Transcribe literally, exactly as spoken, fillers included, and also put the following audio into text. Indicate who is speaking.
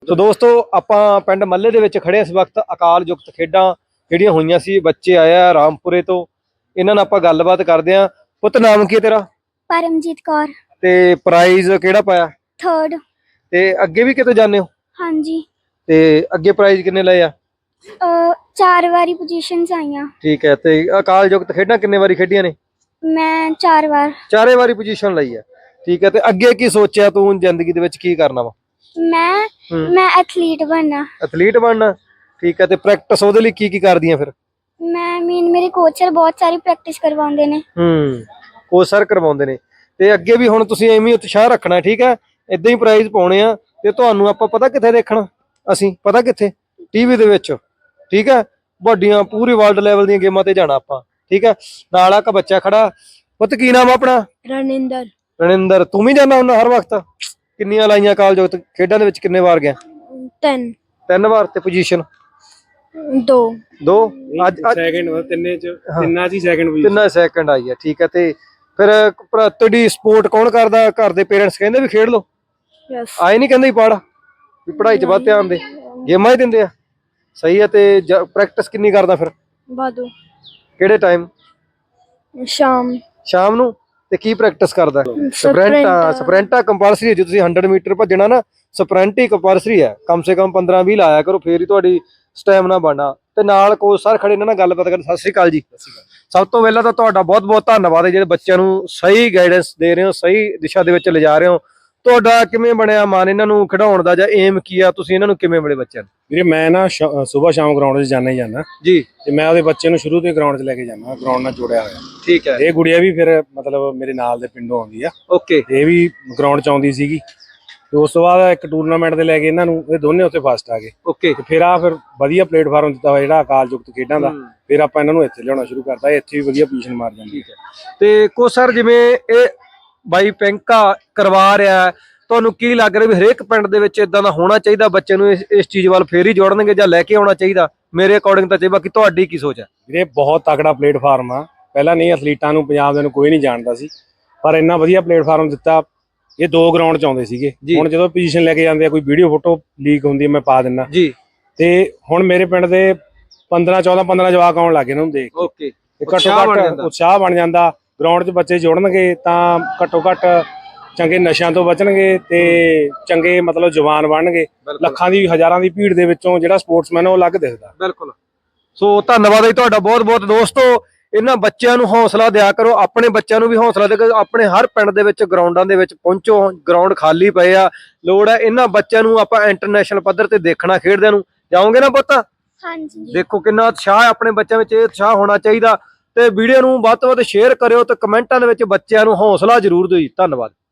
Speaker 1: ਸੋ ਦੋਸਤੋ ਆਪਾਂ ਪਿੰਡ ਮੱਲੇ ਦੇ ਵਿੱਚ ਖੜੇ ਇਸ ਵਕਤ ਅਕਾਲ ਯੁਕਤ ਖੇਡਾਂ ਜਿਹੜੀਆਂ ਹੋਈਆਂ ਸੀ, ਬੱਚੇ ਆਏ ਆ ਰਾਮਪੁਰੇ ਤੋਂ, ਇਹਨਾਂ ਨਾਲ ਆਪਾਂ ਗੱਲਬਾਤ ਕਰਦੇ ਆਂ। ਪੁੱਤ ਨਾਮ ਕੀ ਹੈ ਤੇਰਾ?
Speaker 2: परमजीत कौर।
Speaker 1: ਤੇ ਪ੍ਰਾਈਜ਼ ਕਿਹੜਾ ਪਾਇਆ?
Speaker 2: थर्ड।
Speaker 1: ਤੇ ਅੱਗੇ ਵੀ ਕਿਤੇ ਜਾਂਦੇ ਹੋ?
Speaker 2: हाँ जी।
Speaker 1: ਤੇ ਅੱਗੇ ਪ੍ਰਾਈਜ਼ ਕਿੰਨੇ ਲਏ ਆ?
Speaker 2: अ, चार वारी पोजीशंस आईयां।
Speaker 1: ਠੀਕ ਹੈ। ਤੇ ਅਕਾਲ ਯੁਕਤ ਖੇਡਾਂ ਕਿੰਨੇ ਵਾਰੀ ਖੇਡੀਆਂ ਨੇ?
Speaker 2: मैं चार बार।
Speaker 1: ਚਾਰੇ ਵਾਰੀ ਪੋਜੀਸ਼ਨ ਲਈ ਆ। ਠੀਕ ਹੈ। ਤੇ ਅੱਗੇ ਕੀ ਸੋਚਿਆ ਤੂੰ ਜ਼ਿੰਦਗੀ ਦੇ ਵਿੱਚ ਕੀ ਕਰਨਾ ਵਾ?
Speaker 2: मैं
Speaker 1: हम्म।
Speaker 2: मैं एथलीट बनना।
Speaker 1: ਐਥਲੀਟ ਬਣਨਾ। ਠੀਕ ਹੈ। ਤੇ ਪ੍ਰੈਕਟਿਸ ਉਹਦੇ ਲਈ ਕੀ ਕੀ ਕਰਦੀਆਂ ਫਿਰ?
Speaker 2: मैं मीन मेरे कोच सर बहुत सारी प्रैक्टिस करवाते ने।
Speaker 1: ਹੂੰ ਕੋਚ ਸਰ ਕਰਵਾਉਂਦੇ ਨੇ। ਤੇ ਅੱਗੇ ਵੀ ਹੁਣ ਤੁਸੀਂ ਐਵੇਂ ਹੀ ਉਤਸ਼ਾਹ ਰੱਖਣਾ। ਠੀਕ ਹੈ। ਇਦਾਂ ਹੀ ਪ੍ਰਾਈਜ਼ ਪਾਉਣੇ ਆ। ਤੇ ਤੁਹਾਨੂੰ ਆਪਾਂ ਪਤਾ ਕਿੱਥੇ ਦੇਖਣਾ? ਅਸੀਂ ਪਤਾ ਕਿੱਥੇ? ਟੀਵੀ ਦੇ ਵਿੱਚ। ਠੀਕ ਹੈ। ਵੱਡੀਆਂ ਪੂਰੀ ਵਰਲਡ ਲੈਵਲ ਦੀਆਂ ਗੇਮਾਂ ਤੇ ਜਾਣਾ ਆਪਾਂ। ਠੀਕ ਹੈ। ਨਾਲ ਇੱਕ ਬੱਚਾ ਖੜਾ। ਪੁੱਤ ਕੀ ਨਾਮ ਆ ਆਪਣਾ?
Speaker 2: रनिंदर।
Speaker 1: ਰਣਿੰਦਰ। ਤੂੰ ਵੀ ਜਾਂਦਾ ਹੁੰਦਾ ਹਰ ਵਕਤ? ਕਿੰਨੀਆਂ ਲਾਈਆਂ ਅਕਾਲ ਯੁਕਤ ਖੇਡਾਂ ਦੇ ਵਿੱਚ? ਕਿੰਨੇ ਵਾਰ ਗਿਆ?
Speaker 2: टेन।
Speaker 1: ਤਿੰਨ ਵਾਰ। ਤੇ ਪੋਜੀਸ਼ਨ
Speaker 2: दो।
Speaker 1: ਦੋ। ਅੱਜ ਅੱਜ
Speaker 3: ਸੈਕਿੰਡ ਤਿੰਨੇ ਚ ਤਿੰਨਾਂ ਚ ਹੀ ਸੈਕਿੰਡ ਪੋਜੀਸ਼ਨ।
Speaker 1: ਤਿੰਨਾਂ ਸੈਕਿੰਡ ਆਈ ਹੈ। ਠੀਕ ਹੈ। ਤੇ ਫਿਰ ਭਰਾ ਤੁਹਾਡੀ ਸਪੋਰਟ ਕੌਣ ਕਰਦਾ? ਘਰ ਦੇ ਪੇਰੈਂਟਸ ਕਹਿੰਦੇ ਵੀ ਖੇਡ ਲਓ?
Speaker 2: यस।
Speaker 1: ਆਏ ਨਹੀਂ ਕਹਿੰਦੇ ਪੜ ਵੀ ਪੜ੍ਹਾਈ 'ਚ ਵੱਧ ਧਿਆਨ ਦੇ, ਗੇਮਾਂ ਹੀ ਦਿੰਦੇ ਆ? ਸਹੀ ਹੈ। ਤੇ ਪ੍ਰੈਕਟਿਸ ਕਿੰਨੀ ਕਰਦਾ ਫਿਰ?
Speaker 2: बादू।
Speaker 1: ਕਿਹੜੇ ਟਾਈਮ?
Speaker 2: शाम।
Speaker 1: ਸ਼ਾਮ ਨੂੰ। ਤੇ ਕੀ ਪ੍ਰੈਕਟਿਸ ਕਰਦਾ? ਸਪ੍ਰਿੰਟ। ਸਪ੍ਰਿੰਟਾ ਕੰਪਲਸਰੀ ਹੈ। ਜੇ ਤੁਸੀਂ ਸੌ ਮੀਟਰ ਭੱਜਣਾ ਨਾ, ਸਪ੍ਰਿੰਟ ਹੀ ਕੰਪਲਸਰੀ ਹੈ। ਕਮ ਸੇ ਕਮ ਪੰਦਰਾਂ ਵੀਹ ਲਾਇਆ ਕਰੋ, ਫੇਰ ਹੀ ਤੁਹਾਡੀ ਸਟੈਮਿਨਾ ਬਣਨਾ। ਤੇ ਨਾਲ ਕੋਚ ਸਰ ਖੜੇ ਇਹਨਾਂ ਨਾਲ ਗੱਲਬਾਤ ਕਰਨ। ਸਤਿ ਸ਼੍ਰੀ ਅਕਾਲ ਜੀ। ਸਭ ਤੋਂ ਪਹਿਲਾਂ ਤਾਂ ਤੁਹਾਡਾ ਬਹੁਤ ਬਹੁਤ ਧੰਨਵਾਦ ਹੈ ਜਿਹੜੇ ਬੱਚਿਆਂ ਨੂੰ ਸਹੀ ਗਾਈਡੈਂਸ ਦੇ ਰਹੇ ਹੋ, ਸਹੀ ਦਿਸ਼ਾ ਦੇ ਵਿੱਚ ਲਿਜਾ ਰਹੇ ਹੋ। ਤੁਹਾਡਾ ਕਿਵੇਂ ਬਣਿਆ ਮਨ ਇਹਨਾਂ ਨੂੰ ਖਿਡਾਉਣ ਦਾ, ਜਾਂ ਏਮ ਕੀ ਆ? ਤੁਸੀਂ ਇਹਨਾਂ ਨੂੰ ਕਿਵੇਂ ਮਿਲੇ ਬੱਚਿਆਂ ਨੂੰ?
Speaker 3: ਵੀਰੇ ਮੈਂ ਨਾ ਸਵੇਰ ਸ਼ਾਮ ਗਰਾਊਂਡ 'ਚ ਜਾਣਾ ਹੀ ਜਾਣਾ
Speaker 1: ਜੀ।
Speaker 3: ਤੇ ਮੈਂ ਉਹਦੇ ਬੱਚੇ ਨੂੰ ਸ਼ੁਰੂ ਤੋਂ ਹੀ ਗਰਾਊਂਡ 'ਚ ਲੈ ਕੇ ਜਾਣਾ, ਗਰਾਊਂਡ ਨਾਲ ਜੁੜਿਆ ਹੋਇਆ।
Speaker 1: ਠੀਕ ਹੈ।
Speaker 3: ਇਹ ਗੁੜੀਆ ਵੀ ਫਿਰ ਮਤਲਬ ਮੇਰੇ ਨਾਲ ਦੇ ਪਿੰਡੋਂ ਆਉਂਦੀ ਆ।
Speaker 1: ਓਕੇ।
Speaker 3: ਇਹ ਵੀ ਗਰਾਊਂਡ 'ਚ ਆਉਂਦੀ ਸੀਗੀ। ਤੇ ਉਸ ਤੋਂ ਬਾਅਦ ਇੱਕ ਟੂਰਨਾਮੈਂਟ ਤੇ ਲੈ ਕੇ ਇਹਨਾਂ ਨੂੰ, ਇਹ ਦੋਨੇ ਉੱਥੇ ਫਸਟ ਆ ਗਏ।
Speaker 1: ਓਕੇ।
Speaker 3: ਤੇ ਫਿਰ ਆ ਫਿਰ ਵਧੀਆ ਪਲੇਟਫਾਰਮ ਦਿੱਤਾ ਹੋਇਆ ਜਿਹੜਾ ਅਕਾਲ ਯੁਕਤ ਖੇਡਾਂ ਦਾ। ਫਿਰ ਆਪਾਂ ਇਹਨਾਂ ਨੂੰ ਇੱਥੇ ਲਿਆਉਣਾ ਸ਼ੁਰੂ ਕਰਤਾ। ਇੱਥੇ ਵੀ ਵਧੀਆ ਪੋਜੀਸ਼ਨ ਮਾਰ ਜਾਂਦੀ ਹੈ।
Speaker 1: ਤੇ ਕੋਚ ਸਰ ਜਿਵੇਂ ਇਹ ਬਾਈ ਪਿੰਕਾ ਕਰਵਾ ਰਿਹਾ, ਤੁਹਾਨੂੰ ਕੀ ਲੱਗ ਰਿਹਾ ਵੀ ਹਰੇਕ ਪਿੰਡ ਦੇ ਵਿੱਚ ਇਦਾਂ ਦਾ ਹੋਣਾ ਚਾਹੀਦਾ? ਬੱਚੇ ਨੂੰ ਇਸ ਇਸ ਚੀਜ਼ ਵੱਲ ਫੇਰ ਹੀ ਜੋੜਨਗੇ ਜਾਂ ਲੈ ਕੇ ਆਉਣਾ ਚਾਹੀਦਾ? ਮੇਰੇ ਅਕੋਰਡਿੰਗ ਤਾਂ ਚਾਹੀਦਾ। ਬਾਕੀ ਤੁਹਾਡੀ ਕੀ ਸੋਚ ਹੈ?
Speaker 3: ਵੀਰੇ ਬਹੁਤ ਤਕੜਾ ਪਲੇਟਫਾਰਮ ਆ। ਪਹਿਲਾਂ ਨਹੀਂ ਐਥਲੀਟਾਂ ਨੂੰ ਪੰਜਾਬ ਦੇ ਨੂੰ ਕੋਈ ਨਹੀਂ ਜਾਣਦਾ ਸੀ, ਪਰ ਇੰਨਾ ਵਧੀਆ ਪਲੇਟਫਾਰਮ ਦਿੱਤਾ। ਇਹ ਦੋ ਗਰਾਊਂਡ 'ਚ ਆਉਂਦੇ ਸੀਗੇ। ਹੁਣ ਜਦੋਂ ਪੋਜੀਸ਼ਨ ਲੈ ਕੇ ਜਾਂਦੇ ਆ, ਕੋਈ ਵੀਡੀਓ ਫੋਟੋ ਲੀਕ ਹੁੰਦੀ ਹੈ, ਮੈਂ ਪਾ ਦਿੰਦਾ
Speaker 1: ਜੀ।
Speaker 3: ਤੇ ਹੁਣ ਮੇਰੇ ਪਿੰਡ ਦੇ ਪੰਦਰਾਂ ਚੌਦਾਂ ਪੰਦਰਾਂ ਜਵਾਕ ਆਉਣ ਲੱਗੇ ਇਹਨਾਂ ਨੂੰ ਦੇਖ ਕੇ।
Speaker 1: ਓਕੇ।
Speaker 3: ਘੱਟੋ ਘੱਟ ਉਤਸ਼ਾਹ ਬਣ ਜਾਂਦਾ। ਗਰਾਊਂਡ 'ਚ ਬੱਚੇ ਜੁੜਨਗੇ ਤਾਂ ਘੱਟੋ ਘੱਟ ਚੰਗੇ ਨਸ਼ਿਆਂ ਤੋਂ ਬਚਣਗੇ ਤੇ ਚੰਗੇ ਮਤਲਬ ਜਵਾਨ ਬਣਨਗੇ। ਲੱਖਾਂ ਦੀ ਹਜ਼ਾਰਾਂ ਦੀ ਭੀੜ ਦੇ ਵਿੱਚੋਂ ਜਿਹੜਾ ਸਪੋਰਟਸਮੈਨ ਉਹ ਅਲੱਗ ਦਿਖਦਾ।
Speaker 1: ਬਿਲਕੁਲ। ਸੋ ਧੰਨਵਾਦ ਹੈ ਤੁਹਾਡਾ ਬਹੁਤ ਬਹੁਤ। ਦੋਸਤੋ ਇਹਨਾਂ ਬੱਚਿਆਂ ਨੂੰ ਹੌਸਲਾ ਦਿਆ ਕਰੋ, ਆਪਣੇ ਬੱਚਿਆਂ ਨੂੰ ਵੀ ਹੌਸਲਾ ਦੇ ਕਰੋ। ਆਪਣੇ ਹਰ ਪਿੰਡ ਦੇ ਵਿੱਚ ਗਰਾਊਂਡਾਂ ਦੇ ਵਿੱਚ ਪਹੁੰਚੋ। ਗਰਾਊਂਡ ਖਾਲੀ ਪਏ ਆ, ਲੋੜ ਹੈ ਇਹਨਾਂ ਬੱਚਿਆਂ ਨੂੰ ਆਪਾਂ ਇੰਟਰਨੈਸ਼ਨਲ ਪੱਧਰ ਤੇ ਦੇਖਣਾ ਖੇਡਦਿਆਂ ਨੂੰ। ਜਾਓਗੇ ਨਾ ਪੁੱਤ?
Speaker 2: हाँ जी।
Speaker 1: ਦੇਖੋ ਕਿੰਨਾ ਉਤਸ਼ਾਹ ਹੈ ਆਪਣੇ ਬੱਚਿਆਂ ਵਿੱਚ। ਇਹ ਉਤਸ਼ਾਹ ਹੋਣਾ ਚਾਹੀਦਾ। ਤੇ ਵੀਡੀਓ ਨੂੰ ਵੱਧ ਤੋਂ ਵੱਧ ਸ਼ੇਅਰ ਕਰਿਓ ਤੇ ਕਮੈਂਟਾਂ ਦੇ ਵਿੱਚ ਬੱਚਿਆਂ ਨੂੰ ਹੌਸਲਾ ਜ਼ਰੂਰ ਦਿਓ ਜੀ। ਧੰਨਵਾਦ।